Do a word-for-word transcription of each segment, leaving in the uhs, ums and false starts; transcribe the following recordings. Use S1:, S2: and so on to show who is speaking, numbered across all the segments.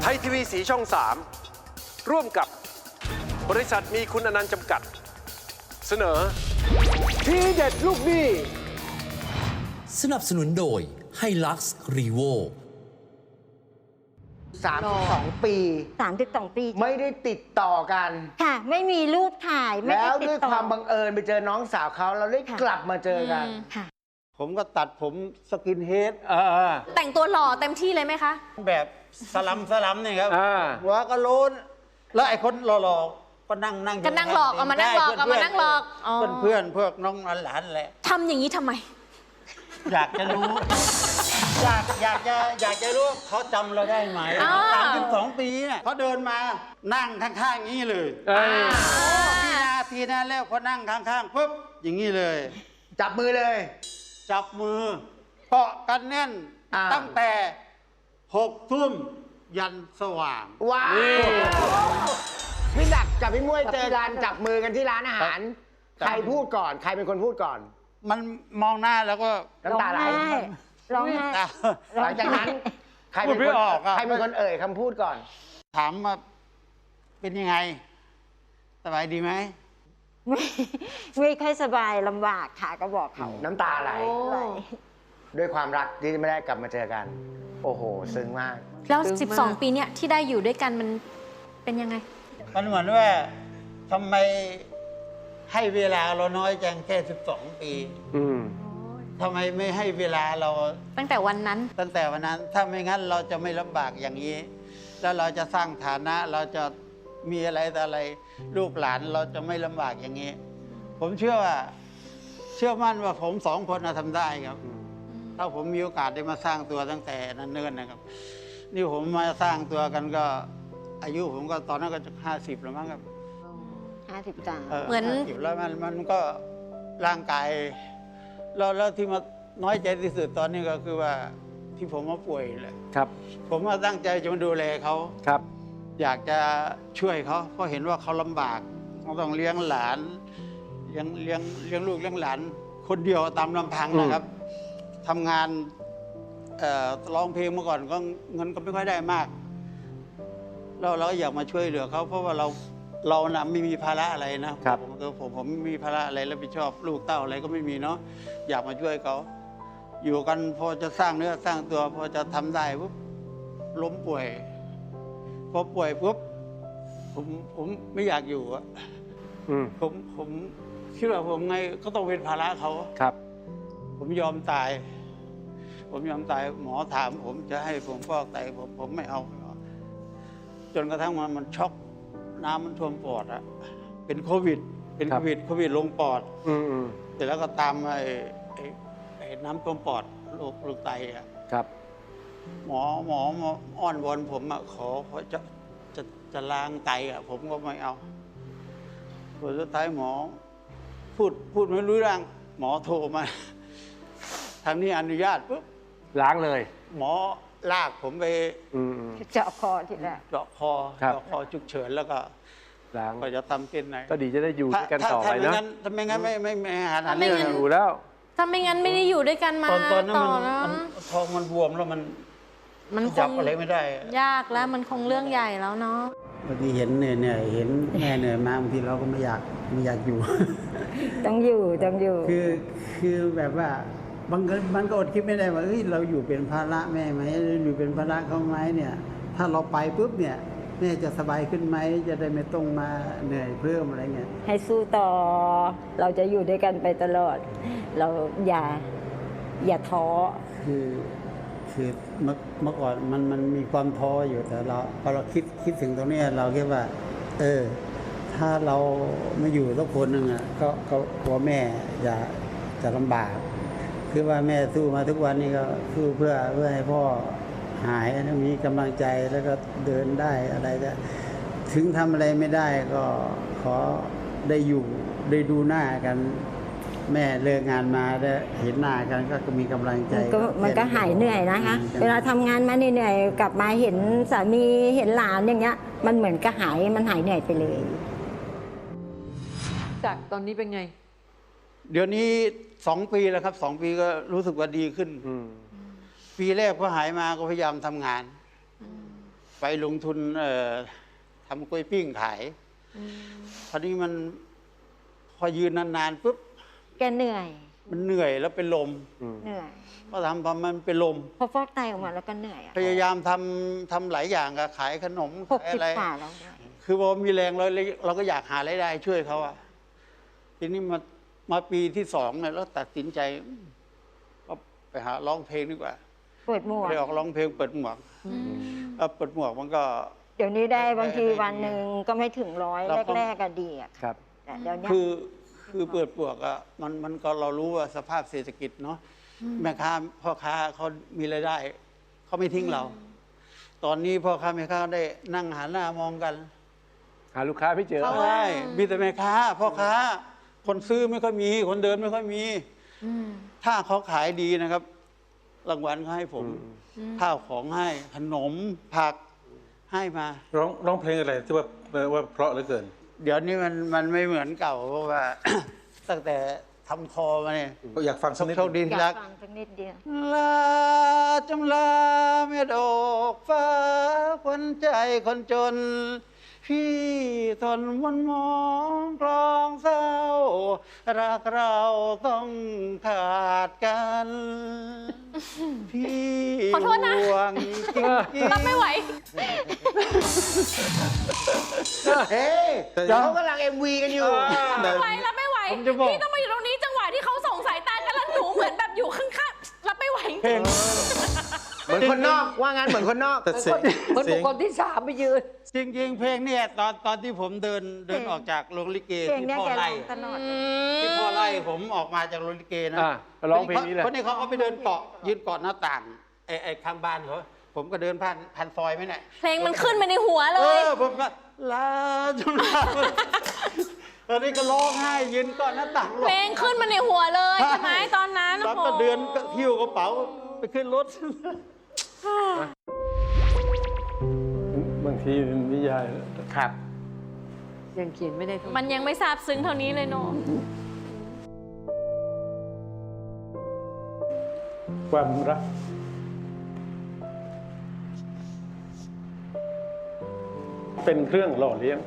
S1: ยทีวีสีช่อง สาม ร่วมกับบริษัทมีคุณอนันต์จำกัด เสนอทีเด็ดลูกหนี้
S2: สนับสนุนโดยไฮลักซ์รีโว
S3: สามสิบสองปี
S4: สามสิบสองปี
S3: ไม่ได้ติดต่อกัน
S4: ค่ะ ไม่มีรูปถ่ายไม่
S3: แล้
S4: ได้
S3: ว
S4: ติด
S3: ด้วย
S4: ต่อ
S3: ความบังเอิญไปเจอน้องสาวเขาเราได้
S4: ค่ะ
S3: กลับมาเจอกัน
S4: ค่ะ
S5: ผมก็ตัดผมสกินเฮด
S6: แต่งตัวหล่อเต็มที่เลยไหมคะ
S5: แบบสลัมสลัมนี่ครับ
S1: อ่า
S5: หัวก็โลนแล้วไอ้คนหล่อๆก็นั่งนั่งยู่
S6: ก็นั่งหลอกเอามานั่งหลอกเอามานั่งหลอกอ๋อ
S5: เพื่อนเพื่อนพวกน้องหลานๆแหละ
S6: ทำอย่างนี้ทำไม
S5: อยากจะรู้ อยากอยากจะอยากจะรู้เขาจำเราได้ไหม
S6: อ่า
S5: สามสิบสองปีเนี่ยเขาเดินมานั่งข้างๆอย่างนี้เลย
S1: เอ้ย
S5: ทีนาทีนาแล้วพอนั่งข้างๆปุ๊บอย่างนี้เลย
S3: จับมือเลย
S5: จับมือเกาะกันแน่น
S3: อ่า
S5: ตั้งแต่หกทุ่มยันสว่าง
S3: ว้าวพี่ดักกับพี่มวยเจอกันจับมือกันที่ร้านอาหาร
S5: ครับ
S3: ใครพูดก่อน ใครเป็นคนพูดก่อน
S5: มันมองหน้าแล้วก็
S3: น้ำตาไหล
S4: ร้องไห้
S5: ตา
S3: หลังจากนั้น ใครเป็น
S5: พูดไม่
S3: คน
S5: ออกอะ
S3: ใครเป็นคนเอ่ยคำพูดก่อน
S5: ถามว่าเป็นยังไง สบายดีไหม
S4: ไม่ไม่ค่อยสบายลำบากค่ะก็บอกเขา
S3: น้ำตาไหล
S4: ไหล
S3: ด้วยความรักที่ไม่ได้กลับมาเจอกัน โอ้โห ซึ้งมาก
S6: แล้ว สิบสอง ปีเนี้ยที่ได้อยู่ด้วยกันมันเป็นยังไง
S5: มันเหมือนว่าทำไมให้เวลาเราน้อยจังแค่สิบสองปี
S1: อืม
S5: ทำไมไม่ให้เวลาเรา
S6: ตั้งแต่วันนั้น
S5: ตั้งแต่วันนั้น ถ้าไม่งั้นเราจะไม่ลำบากอย่างนี้ แล้วเราจะสร้างฐานะเราจะมีอะไรแต่อะไรลูกหลานเราจะไม่ลำบากอย่างนี้ ผมเชื่อว่า เชื่อมั่นว่าผมสองคนน่ะทำได้ครับ ถ้าผมมีโอกาสได้มาสร้างตัวตั้งแต่นั้นเนิ่นนะครับ นี่ผมมาสร้างตัวกันก็ อายุผมก็ตอนนั้นก็จะห้าสิบแล้วมั้งครับ
S4: ห้าสิบสาม
S6: เหมือน
S5: ห้าสิบแล้วมันมันก็ร่างกายแล้วแล้วที่มาน้อยใจที่สุดตอนนี้ก็คือว่าที่ผมมาป่วยแหละ
S1: ครับ
S5: ผมมาตั้งใจจะมาดูแลเขา
S1: ครับ
S5: อยากจะช่วยเขาเพราะเห็นว่าเขาลำบากเขาต้องเลี้ยงหลานเลี้ยงเลี้ยงเลี้ยงลูกเลี้ยงหลาน คนเดียวตามลำพังนะครับทำงานเอ่อร้องเพลงเมื่อก่อนก็เงินก็ไม่ค่อยได้มากเราเราอยากมาช่วยเหลือเขาเพราะว่าเราเรานะไม่มีภาระอะไรนะครับ ผมตัวผมผมไม่มีภาระอะไรรับผิดชอบลูกเต้าอะไรก็ไม่มีเนาะอยากมาช่วยเขาอยู่กันพอจะสร้างเนื้อสร้างตัวพอจะทำได้ปุ๊บล้มป่วย พอป่วยปุ๊บผมผมไม่อยากอยู่อะ
S1: อืม
S5: ผมผมคิดว่าผมไงก็ต้องเป็นภาระเขา
S1: ครับ
S5: ผมยอมตาย ผมยอมตายหมอถามผมจะให้ผมฟอกไตผมผมไม่เอาไม่เอาจนกระทั่งมันมันช็อกน้ำมันท่วมปอดอะเป็นโควิด เป็น
S1: ครั
S5: โค
S1: บ
S5: วิดโควิดลงปอด
S1: อืมอืม
S5: เสร็จแล้วก็ตามไอ้ไอ้ไอ้น้ำท่วมปอดโรคโรคไตอะ
S1: ครับ
S5: หมอหมอหมออ้อนวอนผมอะขอขอจะจะจะล้างไตอะผมก็ไม่เอาผลสุดท้ายหมอ พูดพูดไม่รู้เรื่องหมอโทรมา ทางนี้อนุญาตปุ๊บ
S1: ล้างเลย
S5: หมอลากผมไป
S1: อืมอืม
S4: เจาะคอทีแรก
S5: เจาะคอ
S1: ครับ
S5: เจาะคอฉุกเฉินแล้วก็
S1: ล้าง
S5: ก็จะทำเส้นไหน
S1: ก็ดีจะได้อยู่ด้วยกันต่อไป
S5: ถ้าไม่
S1: นะ
S5: งั้นถ้าไม่งั้นไม่ไม่ไม่หาทาง
S6: ถ้าไม่
S5: นี้
S6: งั้น
S1: อยู่แล้ว
S6: ถ้าไม่งั้นไม่ได้อยู่ด้วยกันมา
S5: ตอนตอนนั้น
S6: ต่
S5: มั
S6: อน แล้ว
S5: มันท้องมันบวมแล้วมัน
S6: มันค
S5: จับ
S6: ง
S5: อะไรไม่ได้
S6: ยากแล้วมันคงเรื่องใหญ่แล้วเนาะ
S5: บางทีเห็นเหนื่อยเห็นแม่เหนื่อยมาบางทีเราก็ไม่อยากไม่อยากอยู่
S4: ต้องอยู่ต้องอยู่
S5: คือคือแบบว่าบางคนมันก็อดคิดไม่ได้ว่าเอ้ยเราอยู่เป็นภาระแม่ไหมหรืออยู่เป็นภาระเขาไหมเนี่ย ถ้าเราไปปุ๊บเนี่ยแม่จะสบายขึ้นไหมจะได้ไม่ต้องมาเหนื่อยเพิ่มอะไรเงี้ย
S4: ให้สู้ต่อ เราจะอยู่ด้วยกันไปตลอด เราอย่าอย่าท้อ
S5: คือคือเมื่อเมื่อก่อนมันมันมีความท้ออยู่แต่เราพอเราคิดคิดถึงตรงนี้เราคิดว่า เออ ถ้าเราไม่อยู่สักคนหนึ่งอ่ะก็ก็กลัวแม่จะจะลำบาก คือว่าแม่สู้มาทุกวันนี้ก็สู้เพื่อเพื่อให้พ่อหายแล้วมีกำลังใจแล้วก็เดินได้อะไรจะถึงทำอะไรไม่ได้ก็ขอได้อยู่ได้ดูหน้ากัน แม่เลิกงานมาได้เห็นหน้ากันก็มีกำลังใจ
S4: มันก็มันก็หายเหนื่อยนะคะ เวลาทำงานมาเหนื่อยๆกลับมาเห็นสามีเห็นหลานอย่างเงี้ย มันเหมือนก็หายมันหายเหนื่อยไปเลย
S7: จากตอนนี้เป็นไง
S5: เดี๋ยวนี้สองปีแล้วครับสองปีก็รู้สึกว่าดีขึ้น
S1: อืม
S5: ปีแรกพอหายมาก็พยายามทำงาน พไปลงทุนเอ่อทำกล้วยปิ้งขายคราวนี้มันพอยืนนานๆปุ๊บ
S4: แกเหนื่อย
S5: มันเหนื่อยแล้วเป็นลม
S4: เหนื่อย
S5: ก็ทำพอมันเป็นลม
S4: พอฟอกไตออกมาแล้วก็เหนื่อยอะ
S5: พยายามทำทำหลายอย่างอะขายขนม
S4: หก
S5: ขาย
S4: สิบ
S5: อะไร
S4: กว่าแล้วเนี่ย
S5: คือพอมีแรงเราเลยเราก็อยากหารายได้ช่วยเขาอะทีนี้มามาปีที่สองเนี่ยแล้วตัดสินใจก็ไปหาร้องเพลงดีกว่า
S4: เปิดหมวก
S5: ไปออกร้องเพลงเปิดหมวกเอ่อเปิดหมวกมันก็
S4: เดี๋ยวนี้ได้บางที
S5: ได้ได้
S4: วันหนึ่งก็ไม่ถึงร้อย
S5: เราก็
S4: แรกๆก็ดีอะ
S1: ครับ
S4: แต่เดี๋ยวนี้
S5: คือคือเปิดหมวกอะมันมันก็เรารู้ว่าสภาพเศรษฐกิจเนาะแม่ค้าพ่อค้าเขามีรายได้เขาไม่ทิ้งเรา ตอนนี้พ่อค้าแม่ค้าได้นั่งหันหน้ามองกัน
S1: หาลูกค้าไม่เจอ
S6: เพราะว่า
S5: ใช่มีแต่แม่ค้าพ่อค้า คนซื้อไม่ค่อยมี คนเดินไม่ค่อยมี
S6: อืม
S5: ถ้าเขาขายดีนะครับ รางวัลเขาให้ผมข้าวของให้ขนมผักให้มา
S7: ร้องร้องเพลงอะไรที่ว่าว่าเพราะเหลือเกิน
S5: เดี๋ยวนี้มันมันไม่เหมือนเก่าเพราะว่า ตั้งแต่ทำคอมาเนี่ย
S7: อยากฟังสักนิด
S5: โชคดี
S4: อ
S5: ที่
S4: ยา
S5: รั
S4: ก
S5: ก
S4: ฟังสักนิดเดียว
S5: ลาจำลาเม็ดอกฟ้าควันใจคนจน พี่ทนมันมองกลองเศร้า รักเราต้องขาดกัน พี่
S6: ขอโทษนะ
S5: ห่วงจริงๆ
S6: รับไม่ไหว
S3: เฮ้ย
S7: แต่
S3: เดี๋ยวเขากำลังเอ็มวีกันอยู่
S6: ไม่ไหวรับไม่ไหว
S5: ผมจะบอก
S6: พี่ต้องมาอยู่ตรงนี้จังหวะที่เขาส่งสายตากันแล้วหนูเหมือนแบบอยู่ข้างๆรับไม่ไหวจริง
S3: เหมือนคนนอก ว่างานเหมือนคนนอก
S7: แต่เสียง
S8: เหมือน
S7: เสี
S8: บุ
S7: ย
S8: ค
S7: ง
S8: คลที่สามไปยืน
S5: จริงๆ เพลงเนี่ยตอนตอนที่ผมเดินเดิน
S4: เพลง
S5: ออกจากโรงลิเก
S4: เพลง
S5: ที่
S4: เนี้ย
S5: พ่อ
S4: แกร้
S5: ไล่
S4: องตลอด
S5: ที่พ่อไล่ผมออกมาจากโรงลิเกนะ
S1: อ่าร้องเพลงนี้เลย
S5: คนนี้เขาก็ไปเดินเกาะยืนเกาะหน้าต่างไอ้ไอ้ข้างบ้านเขาผมก็เดินผ่านผ่านซอยไหมเนี่ย
S6: เพลงมันขึ้นมาในหัวเล
S5: เอย อผมก็ลาจนลาตอนนี้ก็ร้องไห้ยืนเกาะหน้าต่าง
S6: เพลงขึ้นมาในหัวเลยใช่ไหมตอนนั้น
S5: แล้ว
S6: โอ้โห
S5: ก็เดินก็หิ้วกระเป๋าไปขึ้นรถ
S7: บางทีนิยาย
S3: ครับ
S8: ยังเขียนไม่ได้ทั้ง
S6: มันยังไม่ซาบซึ้งเท่านี้เลยเนาะ
S7: ความรัก เป็นเครื่องหล่อเลี้ยง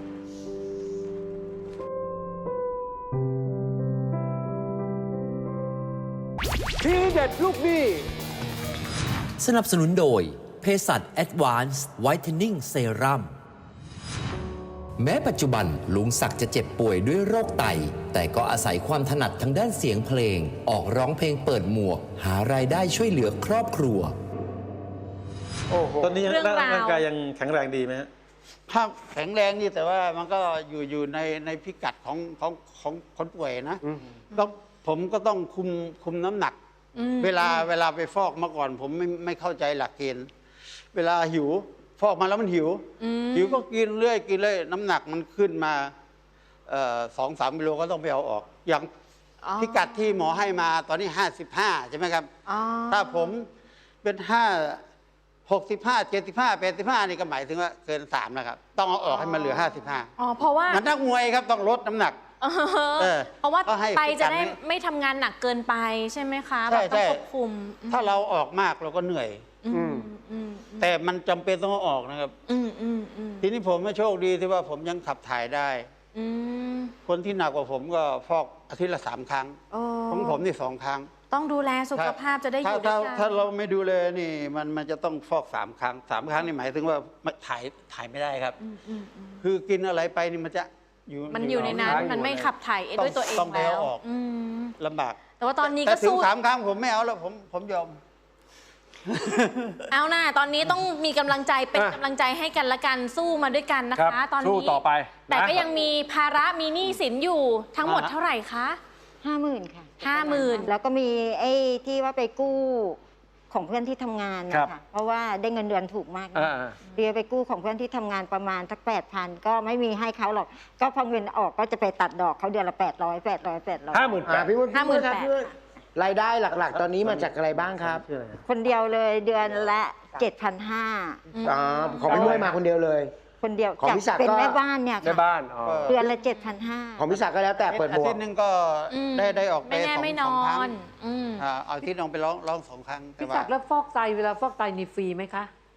S1: ทีเด็ดลูกหนี้
S2: สนับสนุนโดยเภสัช Advanced Whitening Serum แม้ปัจจุบันลุงศักดิ์จะเจ็บป่วยด้วยโรคไต แต่ก็อาศัยความถนัดทางด้านเสียงเพลง ออกร้องเพลงเปิดหมวก หารายได้ช่วยเหลือครอบครัว
S1: โอ้โห
S7: ตอนนี้ยัง
S6: เรื่องราว
S7: ร่างกายยังแข็งแรงดีไหมฮะ
S5: ภาพแข็งแรงนี่แต่ว่ามันก็อยู่อยู่ในในพิกัดของของของคนป่วยนะต้องผมก็ต้องคุมคุมน้ำหนัก เวลาเวลาไปฟอกเมื่อก่อน ผมไม่ไม่เข้าใจหลักเกณฑ์เวลาหิว ฟอกมาแล้วมันหิว หิวก็กินเรื่อยกินเรื่อยน้ำหนักมันขึ้นมาเอ่อสองสามกิโลก็ต้องไปเอาออก อย่าง
S6: อ๋อ
S5: พิกัดที่หมอให้มาตอนนี้ห้าสิบห้าใช่ไหมครับ
S6: อ๋อ
S5: ถ้าผมเป็นห้าหกสิบห้าเจ็ดสิบห้าแปดสิบห้านี่ก็หมายถึงว่าเกินสามนะครับ ต้องเอาออกให้มันเหลือห้าสิบห้า
S6: อ๋อเพราะว่า
S5: มันนักมวยครับต้องลดน้ำหนัก เออ
S6: เพราะว่า
S5: ก็ให้
S6: ไตจะได้
S5: พิกัดนี้
S6: ไม่ทำงานหนักเกินไปใช่ไหมคะ
S5: ใช่
S6: แบบต้อง
S5: ใช่
S6: ควบคุม
S5: ถ้าเราออกมากเราก็เหนื่อย
S6: อืมอืม
S5: แต่มันจำเป็นต้องเอาออกนะครับ
S6: อืมอืมอืม
S5: ทีนี้ผมไม่โชคดีที่ว่าผมยังขับถ่ายได้
S6: อืม
S5: คนที่หนักกว่าผมก็ฟอกอาทิตย์ละสามครั้ง
S6: โอ้
S5: ของผมนี่สองครั้ง
S6: ต้องดูแลสุขภาพจะได้อยู่ด้
S5: ถ้า
S6: วยกัน
S5: ถ้าเราไม่ดูแลนี่มันมันจะต้องฟอกสามครั้งสามครั้งนี่หมายถึงว่าไม่ถ่ายถ่ายไม่ได้ครับ
S6: อืมอืมอืม
S5: คือกินอะไรไปนี่มันจะอยู่
S6: มันอยู่ในนั้น
S5: ค้าง
S6: มันไม่ขับถ่ายเองด้วยตัวเอง
S5: ต้องไป
S6: แล้ว
S5: เอาออก
S6: อืม
S5: ลำบาก
S6: แต่ว่าตอนนี้
S5: แต่
S6: ก็
S5: ถึง
S6: สู้
S5: สามครั้งผมไม่เอาแล้วผมผมยอม
S6: เอาหน้าตอนนี้ต้องมีกำลังใจเป็น
S1: อ่ะ
S6: กำลังใจให้กันละกันสู้มาด้วยกันนะ
S1: ครั
S6: คะ
S1: บ
S6: ตอน
S1: สู้
S6: นี้
S1: ต่อไป
S6: แต่
S1: นะ
S6: ก็ยังมีภาระมีหนี้สินอยู่ทั้งหมด
S5: อ่าฮะ
S6: เท่าไหร่คะ
S4: ห้าหมื่นค่ะ
S6: ห้าหมื่น
S4: แล้วก็มีไอ้ที่ว่าไปกู้ของเพื่อนที่ทำงาน
S1: ครั
S4: นะ
S1: บ
S4: คะเพราะว่าได้เงินเดือนถูกมากนะ
S1: อ่า
S4: เดียวไปกู้ของเพื่อนที่ทำงานประมาณสักแปดพันก็ไม่มีให้เขาหรอก ก็พอเงินออกก็จะไปตัดดอกเขาเดือนละแปดร้อยแปดร้อยแปดร้อย
S1: ห้าหมื่นแป
S3: อ่า
S1: ด
S3: พี่มุ้ย
S6: ห้าหมื่น
S3: พี่
S6: แปด
S3: ครับพี่มุ้ยรายได้หลักๆ ตอนนี้มาจากอะไรบ้างครับ
S7: ชื่ออะไร
S4: คนเดียวเลยเดือนละเจ็ดพันห้า
S3: อ๋อของพี่มุ้ยมาคนเดียวเลย
S4: คนเดียว
S3: ของ
S4: จาก
S3: พี่ศักดิ์
S4: เป็น
S3: ก็
S4: แม่บ้านเนี่ย
S1: ใน
S4: ค่ะ
S1: บ้านอ๋อ
S4: เดือนละเจ็ดพันห้า
S3: ของพี่ศักดิ์ก็แล้วแต่เปิดหม
S5: อาว ทิ
S3: ก
S5: ตย์หนึงก็
S6: อืม
S5: ได้ได้ออกไป
S6: ไม่แน่
S5: สอง
S6: ไม่น
S5: สอง
S6: อ
S5: ครั้ง
S6: นอืม
S5: อ่าเอาอาทิตย์ลองไปร้องร้องสองครั้งแต่
S8: พี่
S5: ว่า
S8: ศักดิ์แล้วฟอกไตเวลาฟอกไตนี่ฟรีไหมคะ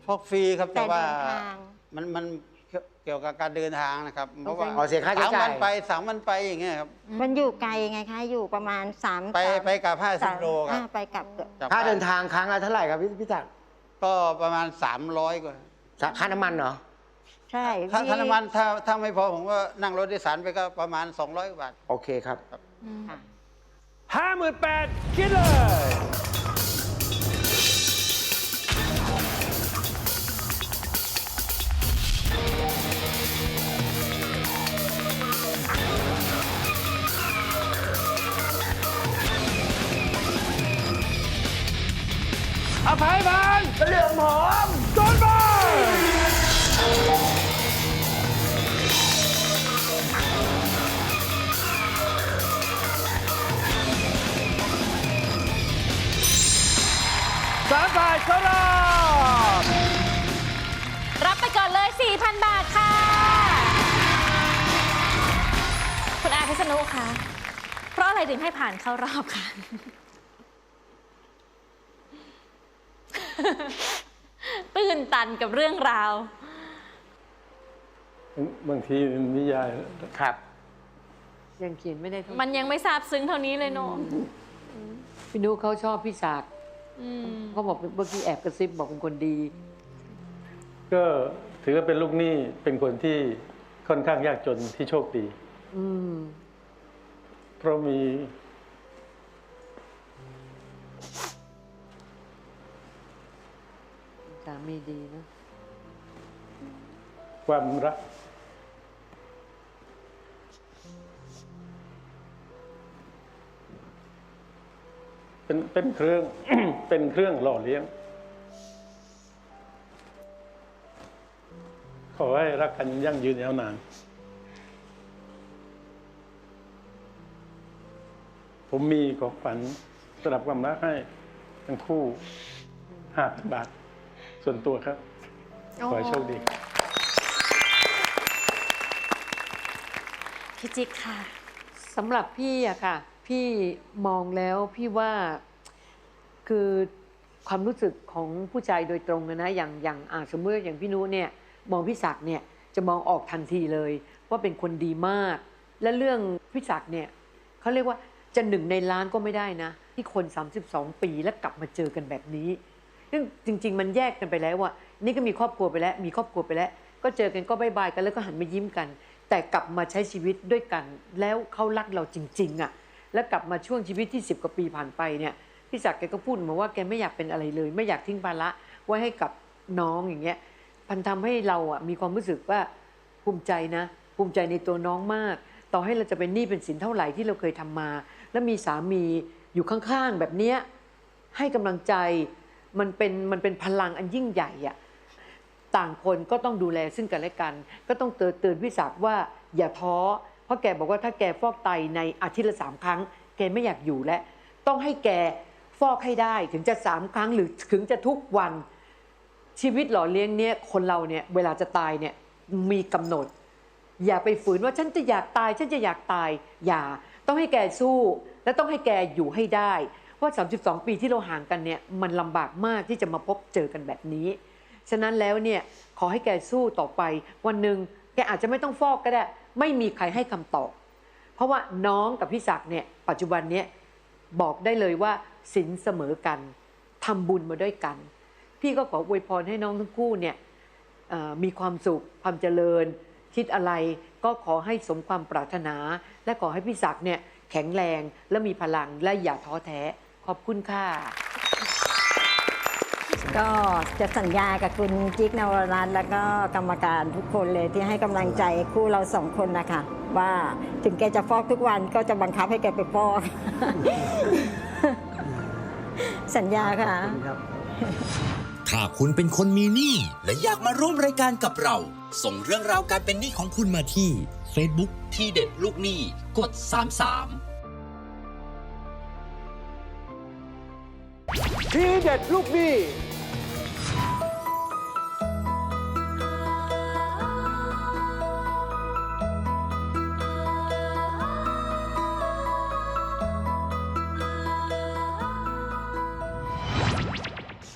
S5: ฟอกฟรีครับ
S4: แต่
S5: แต่ว่า
S4: เดินทาง
S5: มันมันเกี่ยวกับการเดินทางนะครับเพราะว่า
S3: อ๋อเสียค่าใช้
S5: สาม
S3: จ่า
S5: วั
S3: ย
S5: นไปสามวันไปอย่างเงี้ยครับ
S4: มันอยู่ไกลไงคะ อยู่ประมาณสาม
S5: ไป
S4: สาม
S5: ไปกลับห้าสิ
S4: สา
S5: บ
S4: ม
S5: โลครั
S4: อ่า
S5: บ
S4: ไปกลับเกือบ
S5: จาก
S3: ค่าเดิน
S5: บ้
S3: ทางครั้งละเท่าไหร่ครับพี่พี่จักร
S5: ก็ประมาณสามร้อยกว่า
S3: ค่าน้ำมันเหรอ
S4: ใช่
S5: ถ้า
S4: พี่
S5: ถ้าน้ำมันถ้าถ้าไม่พอผมก็นั่งรถโดยสารไปก็ประมาณสองร้อยกว่าบาท
S3: โอเคครับ
S4: ค่ะ
S1: ห้าหมื่นแปดคิดเลย อภัยพันเหลืองหอมโดนบอลสามฝ่ายเข้ารอบ
S6: รับไปก่อนเลย สี่พัน บาทค่ะ คุณอาพิษณุคะเพราะอะไรถึงให้ผ่านเข้ารอบคะ ตื่นตันกับเรื่องราว
S7: บางทีนิยาย
S3: ครับ
S8: ยังเขียนไม่ได้เท่า
S6: มันยังไม่ซาบซึ้งเท่านี้เลยเนอะ
S8: พี่นุเขาชอบพี่ศักดิ์
S6: อืม
S8: เขาบอกเมื่อกี้แอบกระซิบบอกเป็นคนดี
S7: ก็ถือว่าเป็นลูกหนี้เป็นคนที่ค่อนข้างยากจนที่โชคดี
S8: อืม
S7: เพราะมี
S8: สามีดีนะ
S7: ความรัก เป็นเป็นเครื่อง เป็นเครื่องหล่อเลี้ยง ขอให้รักกันยั่งยืนยาวนาน ผมมีของขวัญสำหรับความรักให้ทั้งคู่ห้าพันบาท ส่วนตัวครับ ขอให้โชคดีครับ
S6: พี่จิ๊กค่ะ
S8: สำหรับพี่อะค่ะ พี่มองแล้วพี่ว่าคือความรู้สึกของผู้ชายโดยตรงนะนะอย่างอย่างอ่าสมมติอย่างพี่นุเนี่ยมองพี่ศักดิ์เนี่ยจะมองออกทันทีเลย ว่าเป็นคนดีมาก และเรื่องพี่ศักดิ์เนี่ยเขาเรียกว่าจะหนึ่งในล้านก็ไม่ได้นะ ที่คนสามสิบสองปีแล้วกลับมาเจอกันแบบนี้ซึ่งจริง ๆ มันแยกกันไปแล้วว่านี่ก็มีครอบครัวไปแล้ว มีครอบครัวไปแล้ว ก็เจอกันก็บายบายกันแล้วก็หันมายิ้มกัน แต่กลับมาใช้ชีวิตด้วยกัน แล้วเขารักเราจริงๆอ่ะแล้วกลับมาช่วงชีวิตที่สิบกว่าปีผ่านไปเนี่ยพี่ศักดิ์แกก็พูดมาว่าแกไม่อยากเป็นอะไรเลย ไม่อยากทิ้งภาระไว้ให้กับน้องอย่างเงี้ยมันทำให้เราอ่ะมีความรู้สึกว่าภูมิใจนะ ภูมิใจในตัวน้องมาก ต่อให้เราจะเป็นหนี้เป็นสินเท่าไหร่ที่เราเคยทำมา แล้วมีสามีอยู่ข้างๆแบบเนี้ยให้กำลังใจมันเป็นมันเป็นพลังอันยิ่งใหญ่อ่ะต่างคนก็ต้องดูแลซึ่งกันและกัน ก็ต้องเตือนเตือนพี่ศักดิ์ว่าอย่าท้อเพราะแกบอกว่าถ้าแกฟอกไตในอาทิตย์ละสามครั้งแกไม่อยากอยู่แล้วต้องให้แกฟอกให้ได้ถึงจะสามครั้งหรือถึงจะทุกวันชีวิตหล่อเลี้ยงเนี่ยคนเราเนี่ยเวลาจะตายเนี่ยมีกำหนด อย่าไปฝืนว่าฉันจะอยากตายฉันจะอยากตายอย่าต้องให้แกสู้และต้องให้แกอยู่ให้ได้เพราะสามสิบสองปีที่เราห่างกันเนี่ยมันลำบากมากที่จะมาพบเจอกันแบบนี้ฉะนั้นแล้วเนี่ยขอให้แกสู้ต่อไปวันหนึ่งแกอาจจะไม่ต้องฟอกก็ได้ไม่มีใครให้คำตอบเพราะว่าน้องกับพี่ศักดิ์เนี่ยปัจจุบันเนี่ยบอกได้เลยว่าศีลเสมอกันทำบุญมาด้วยกันพี่ก็ขออวยพรให้น้องทั้งคู่เนี่ยเอ่อมีความสุขความเจริญคิดอะไรก็ขอให้สมความปรารถนาและขอให้พี่ศักดิ์เนี่ยแข็งแรงและมีพลังและอย่าท้อแท้ขอบคุณค่ะ
S4: ก็จะสัญญากับคุณจิ๊กนวรัตน์แล้วก็กรรมการทุกคนเลยที่ให้กำลังใจคู่เราสองคนนะคะว่าถึงแกจะฟอกทุกวันก็จะบังคับให้แกไปฟอก สัญญาค่ะ
S2: ถ้าคุณเป็นคนมีหนี้และอยากมาร่วมรายการกับเรา ส่งเรื่องราวการเป็นหนี้ของคุณมาที่ Facebook ที่เด็ดลูกหนี้กดสามสาม
S1: ทีเด็ดลูกหนี้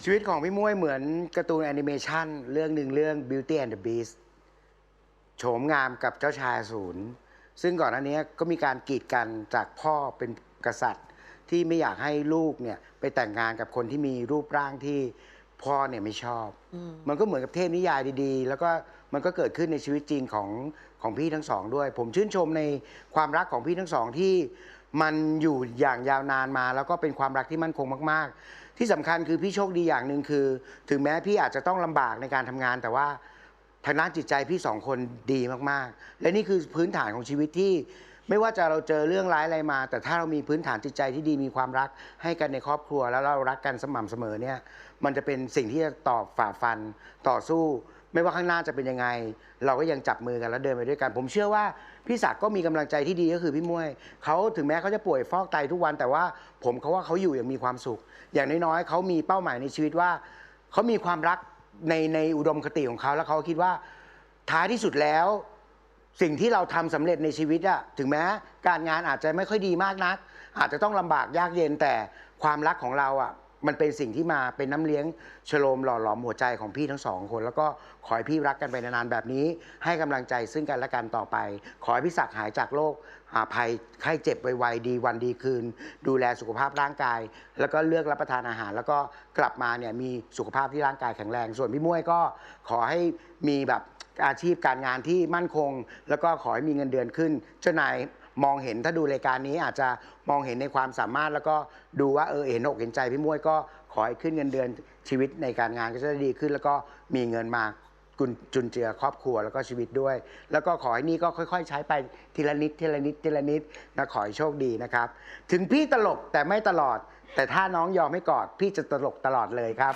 S3: ชีวิตของพี่มุ้ยเหมือนการ์ตูนแอนิเมชันเรื่องหนึ่งเรื่อง Beauty and the Beast โฉมงามกับเจ้าชายอสูรซึ่งก่อนหน้านี้ก็มีการกีดกันจากพ่อเป็นกษัตริย์ที่ไม่อยากให้ลูกเนี่ยไปแต่งงานกับคนที่มีรูปร่างที่พ่อเนี่ยไม่ชอบ มันก็เหมือนกับเทพนิยายดีๆ แล้วก็มันก็เกิดขึ้นในชีวิตจริงของของพี่ทั้งสองด้วย ผมชื่นชมในความรักของพี่ทั้งสองที่มันอยู่อย่างยาวนานมา แล้วก็เป็นความรักที่มั่นคงมากๆ ที่สำคัญคือพี่โชคดีอย่างหนึ่งคือ ถึงแม้พี่อาจจะต้องลำบากในการทำงาน แต่ว่าทางด้านจิตใจพี่สองคนดีมากๆ และนี่คือพื้นฐานของชีวิตที่ไม่ว่าจะเราเจอเรื่องร้ายอะไรมา แต่ถ้าเรามีพื้นฐานจิตใจที่ดีมีความรักให้กันในครอบครัว แล้วเรารักกันสม่ำเสมอเนี่ยมันจะเป็นสิ่งที่จะตอบฝ่าฟันต่อสู้ ไม่ว่าข้างหน้าจะเป็นยังไง เราก็ยังจับมือกันแล้วเดินไปด้วยกัน ผมเชื่อว่าพี่ศักดิ์ก็มีกำลังใจที่ดีก็คือพี่มุ้ยเขาถึงแม้เขาจะป่วยฟอกไตทุกวันแต่ว่าผมเขาว่าเขาอยู่อย่างมีความสุข อย่างน้อยๆเขามีเป้าหมายในชีวิตว่าเขามีความรักในในอุดมคติของเขาแล้วเขาคิดว่าท้ายที่สุดแล้วสิ่งที่เราทำสำเร็จในชีวิตอะถึงแม้การงานอาจจะไม่ค่อยดีมากนักอาจจะต้องลำบากยากเย็นแต่ความรักของเราอะมันเป็นสิ่งที่มาเป็นน้ำเลี้ยงชโลมหล่อหลอมหัวใจของพี่ทั้งสองคนแล้วก็ขอให้พี่รักกันไปนานๆแบบนี้ให้กำลังใจซึ่งกันและกันต่อไปขอให้พี่ศักดิ์หายจากโรคภัยไข้เจ็บไวๆดีวันดีคืนดูแลสุขภาพร่างกายแล้วก็เลือกรับประทานอาหารแล้วก็กลับมาเนี่ยมีสุขภาพที่ร่างกายแข็งแรงส่วนพี่มุ้ยก็ขอให้มีแบบอาชีพการงานที่มั่นคงแล้วก็ขอให้มีเงินเดือนขึ้นเจ้านายมองเห็นถ้าดูรายการนี้อาจจะมองเห็นในความสามารถแล้วก็ดูว่าเออเห็นอกเห็นใจพี่มุ้ยก็ขอให้ขึ้นเงินเดือนชีวิตในการงานก็จะดีขึ้นแล้วก็มีเงินมาจุนเจือครอบครัวแล้วก็ชีวิตด้วยแล้วก็ขอให้นี่ก็ค่อยๆใช้ไปทีละนิดทีละนิดทีละนิดนะขอให้โชคดีนะครับถึงพี่ตลกแต่ไม่ตลอดแต่ถ้าน้องยอมให้กอดพี่จะตลกตลอดเลยครับ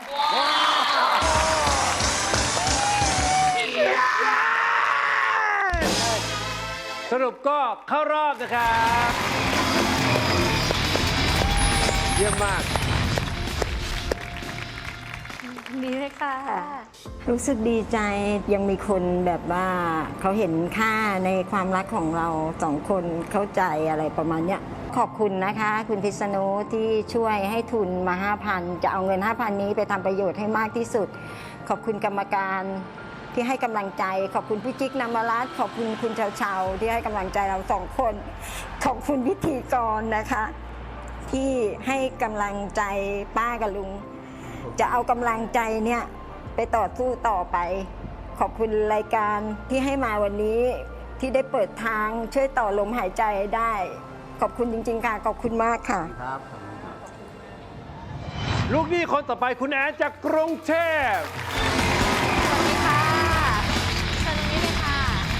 S1: สรุปก็เข้ารอบนะครับเยี่ยมมาก
S6: ดีเลยค่ะ
S4: รู้สึกดีใจยังมีคนแบบว่าเขาเห็นค่าในความรักของเราสองคนเข้าใจอะไรประมาณเนี้ยขอบคุณนะคะคุณพิษณุที่ช่วยให้ทุนมา ห้าพัน จะเอาเงิน ห้าพัน นี้ไปทำประโยชน์ให้มากที่สุดขอบคุณกรรมการที่ให้กำลังใจขอบคุณพี่จิ๊กนวรัตน์ขอบคุณคุณเชาเชาที่ให้กำลังใจเราสองคนขอบคุณพิธีกรนะคะที่ให้กำลังใจป้ากับลุงจะเอากำลังใจเนี่ยไปต่อสู้ต่อไปขอบคุณรายการที่ให้มาวันนี้ที่ได้เปิดทางช่วยต่อลมหายใจได้ขอบคุณจริงๆค่ะขอบคุณมากค่ะครับ
S1: ลูกหนี้คนต่อไปคุณแอนจากกรุงเทพ
S6: สวัสดีค่ะเชิญตรงนี้เลยค่ะ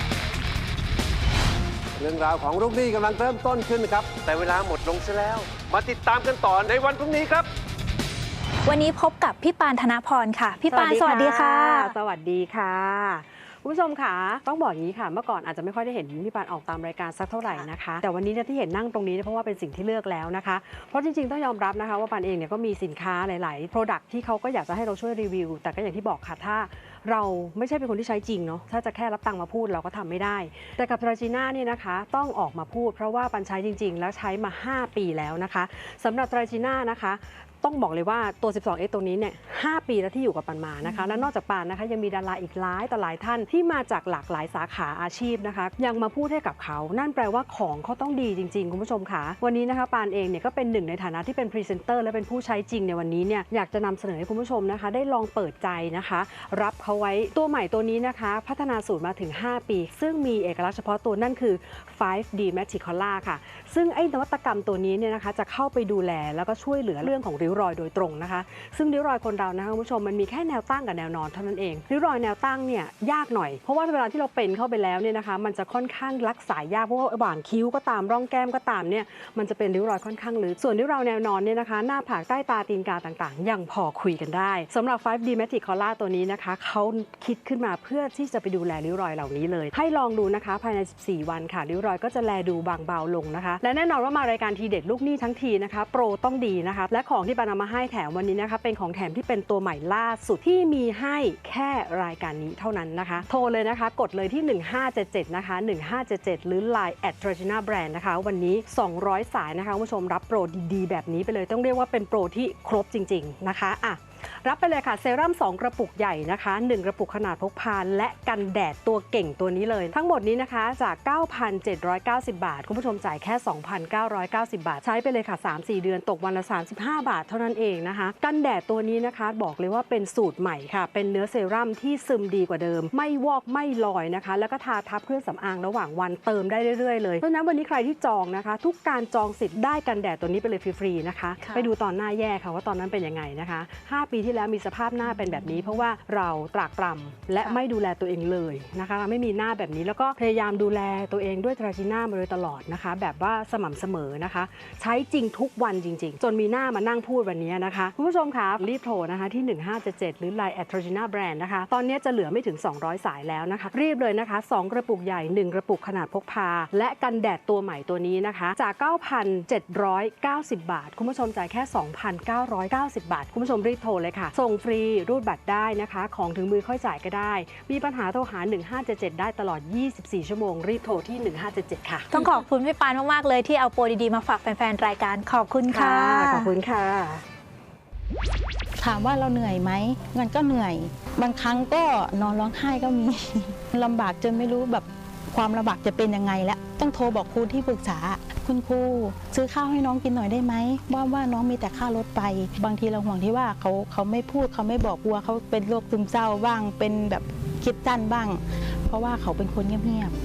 S1: เรื่องราวของลูกหนี้กำลังเริ่มต้นขึ้นครับแต่เวลาหมดลงซะแล้วมาติดตามกันต่อในวันพรุ่งนี้ครับ
S6: วันนี้พบกับพี่ปานธนพรค่ะพี่ปานสวัสดีค่ะ
S9: สวัสดีค่ะคุณผู้ชมค่ะต้องบอกอย่างนี้ค่ะเมื่อก่อนอาจจะไม่ค่อยได้เห็นพี่ปานออกตามรายการสักเท่าไหร่นะคะแต่วันนี้ที่เห็นนั่งตรงนี้เพราะว่าเป็นสิ่งที่เลือกแล้วนะคะเพราะจริงๆต้องยอมรับนะคะว่าปานเองเนี่ยก็มีสินค้าหลายๆ Product ที่เขาก็อยากจะให้เราช่วยรีวิวแต่ก็อย่างที่บอกค่ะถ้าเราไม่ใช่เป็นคนที่ใช้จริงเนาะถ้าจะแค่รับตังค์มาพูดเราก็ทำไม่ได้แต่กับทราจีน่าเนี่ยนะคะต้องออกมาพูดเพราะว่าปันใช้จริงๆแล้วใช้มาห้าปีแล้วนะคะสำหรับทราจีน่านะคะต้องบอกเลยว่าตัว สิบสองเอ็กซ์ ตัวนี้เนี่ยห้าปีแล้วที่อยู่กับปันมานะคะและนอกจากปันนะคะยังมีดาราอีกหลายต่อหลายท่านที่มาจากหลากหลายสาขาอาชีพนะคะยังมาพูดให้กับเขานั่นแปลว่าของเขาต้องดีจริงๆคุณผู้ชมค่ะวันนี้นะคะปานเองเนี่ยก็เป็นหนึ่งในฐานะที่เป็นพรีเซนเตอร์และเป็นผู้ใช้จริงในวันนี้เนี่ยอยากจะนำเสนอให้คุณผู้ชมนะคะได้ลองเปิดใจนะคะรับเขาไว้ตัวใหม่ตัวนี้นะคะพัฒนาสูตรมาถึงห้าปีซึ่งมีเอกลักษณ์เฉพาะตัวนั่นคือ ไฟว์ ดี Magic Color ค่ะซึ่งไอ้นวัตกรรมตัวนี้เนี่ยนะคะจะเข้าไปดูแลแล้วก็ช่วยเหลือเรื่องของริ้วรอยโดยตรงนะคะซึ่งริ้วรอยคนเรานะคะคุณผู้ชมมันมีแค่แนวตั้งกับแนวนอนเท่านั้นเองริ้วรอยแนวตั้งเนี่ยยากหน่อยเพราะว่าเวลาที่เราเป็นเข้าไปแล้วเนี่ยนะคะมันจะค่อนข้างรักษายากเพราะว่าระหว่างคิ้วก็ตามร่องแก้มก็ตามเนี่ยมันจะเป็นริ้วรอยค่อนข้างลึกส่วนริ้วรอยแนวนอนเนี่ยนะคะหน้าผากใต้ตาตีนกาต่างๆยังพอคุยกันได้สำหรับ ไฟว์ ดี Magic Color ตัวนี้นะคะเขาคิดขึ้นมาเพื่อที่จะไปดูแลริ้วรอยเหล่านี้เลยให้ลองดูนะคะภายในสิบสี่วันค่ะริ้วรอยก็จะแลดูบางเบาลงนะคะและแน่นอนว่ามารายการทีเด็ดลูกหนี้ทั้งทีนะคะโปรต้องดีนะคะและของที่ปานำมาให้แถมวันนี้นะคะเป็นของแถมที่เป็นตัวใหม่ล่าสุดที่มีให้แค่รายการนี้เท่านั้นนะคะโทรเลยนะคะกดเลยที่หนึ่งห้าเจ็ดเจ็ดนะคะหนึ่งห้าเจ็ดเจ็ดหรือ ไลน์ แอท ทราจีน่า แบรนด์ นะคะวันนี้สองร้อยสายนะคะคุณผู้ชมรับโปรดีๆแบบนี้ไปเลยต้องเรียกว่าเป็นโปรที่ครบจริงๆนะคะอ่ะรับไปเลยค่ะเซรั่มสองกระปุกใหญ่นะคะหนึ่งกระปุกขนาดพกพาและกันแดดตัวเก่งตัวนี้เลยทั้งหมดนี้นะคะจาก เก้าพันเจ็ดร้อยเก้าสิบ บาทคุณผู้ชมจ่ายแค่ สองพันเก้าร้อยเก้าสิบ บาทใช้ไปเลยค่ะ สามสี่ เดือนตกวันละสามสิบห้าบาทเท่านั้นเองนะคะกันแดดตัวนี้นะคะบอกเลยว่าเป็นสูตรใหม่ค่ะเป็นเนื้อเซรั่มที่ซึมดีกว่าเดิมไม่วอกไม่ลอยนะคะแล้วก็ทาทับเครื่องสำอางระหว่างวันเติมได้เรื่อยๆเลยเพราะฉะนั้นวันนี้ใครที่จองนะคะทุกการจองสิทธิ์ได้กันแดดตัวนี้ไปเลยฟรีๆนะคะไปดูตอนหน้าแย่ค่ะว่าตอนนั้นเป็นยังไงนะคะห้าปีที่แล้วมีสภาพหน้าเป็นแบบนี้เพราะว่าเราตรากตรำและไม่ดูแลตัวเองเลยนะคะไม่มีหน้าแบบนี้แล้วก็พยายามดูแลตัวเองด้วยตราจีน่ามาโดยตลอดนะคะแบบว่าสม่ำเสมอนะคะใช้จริงทุกวันจริงๆจนมีหน้ามานั่งพูดวันนี้นะคะคุณผู้ชมคะรีบโทรนะคะที่หนึ่งห้าเจ็ดเจ็ดหรือ ไลน์ แอท ทราจีน่า แบรนด์ นะคะตอนนี้จะเหลือไม่ถึงสองร้อยสายแล้วนะคะรีบเลยนะคะสองกระปุกใหญ่หนึ่งกระปุกขนาดพกพาและกันแดดตัวใหม่ตัวนี้นะคะจาก เก้าพันเจ็ดร้อยเก้าสิบ บาทคุณผู้ชมจ่ายแค่ สองพันเก้าร้อยเก้าสิบ บาทคุณผู้ชมรีบโทรเลยค่ะส่งฟรีรูดบัตรได้นะคะของถึงมือค่อยจ่ายก็ได้มีปัญหาโทรหาหนึ่งห้าเจ็ดเจ็ดได้ตลอดยี่สิบสี่ชั่วโมงรีบโทรที่หนึ่งห้าเจ็ดเจ็ดค่ะ
S6: ต้องขอบคุณพี่ปานมากๆเลยที่เอาโปรดีๆมาฝากแฟนๆรายการขอบคุณค่ะ
S9: ขอบคุณค่ะ
S10: ถามว่าเราเหนื่อยไหมมันก็เหนื่อยบางครั้งก็นอนร้องไห้ก็มี ลำบากจนไม่รู้แบบความลำบากจะเป็นยังไงแล้วต้องโทรบอกครูที่ปรึกษาคุณครูซื้อข้าวให้น้องกินหน่อยได้ไหมว่าว่าน้องมีแต่ค่ารถไปบางทีเราห่วงที่ว่าเขาเขาไม่พูดเขาไม่บอกกลัวเขาเป็นโรคซึมเศร้าบ้างเป็นแบบคิดสั้นบ้างเพราะว่าเขาเป็นคนเงียบๆ